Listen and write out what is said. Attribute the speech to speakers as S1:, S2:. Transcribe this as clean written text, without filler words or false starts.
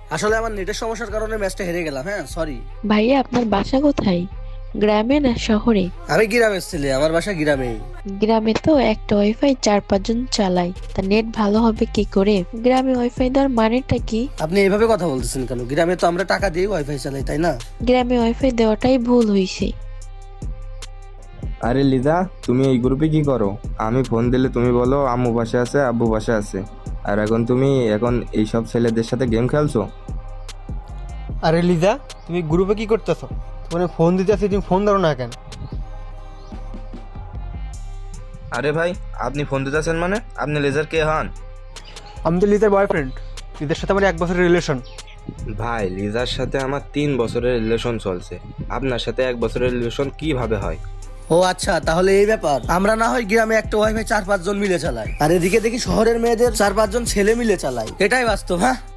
S1: আসলে আমার নেটের সমস্যার কারণে ম্যাচটা হেরে গেলাম। হ্যাঁ, সরি।
S2: ভাইয়া আপনার বাসা কোথায়? গ্রামে না শহরে?
S1: আমি গ্রামের ছেলে, আমার বাসা গ্রামেই।
S2: গ্রামে তো একটা ওয়াইফাই 4-5 জন চালায়, তা নেট ভালো হবে কি করে? গ্রামে ওয়াইফাই দেওয়ার মানেটা কি?
S1: আপনি এইভাবে কথা বলতেছেন কেন? গ্রামে তো আমরা টাকা দিয়ে ওয়াইফাই চালাই, তাই না?
S2: গ্রামে ওয়াইফাই দেওয়াটাই ভুল হইছে।
S3: আরে লিজা, তুমি এই গ্রুপে কি করো? আমি ফোন দিলে তুমি বলো আম্মু পাশে আছে, আব্বু পাশে আছে, আর এখন তুমি এইসব ছেলেদের সাথে গেম খেলছো।
S4: আরে লিজা, তুমি গ্রুপে কি করতেছো? তোমার ফোন দিতে আসি, তুমি ফোন ধরো না কেন?
S3: আরে ভাই, আপনি ফোন দিতেছেন মানে? আপনি লেজার কে হন?
S4: আমি তো লিজার বয়ফ্রেন্ড। লিজার সাথে আমার 1 বছরের রিলেশন।
S3: ভাই, লিজার সাথে আমার 3 বছরের রিলেশন চলছে, আপনার সাথে 1 বছরের রিলেশন কিভাবে হয়?
S1: ও আচ্ছা, তাহলে এই ব্যাপার। আমরা না হয় গ্রামে একটা ওয়াইফাই 4-5 জন মিলে চালাই, আর এদিকে দেখি শহরের মেয়েদের 4-5 জন ছেলে মিলে চালাই। এটাই বাস্তব। হ্যাঁ।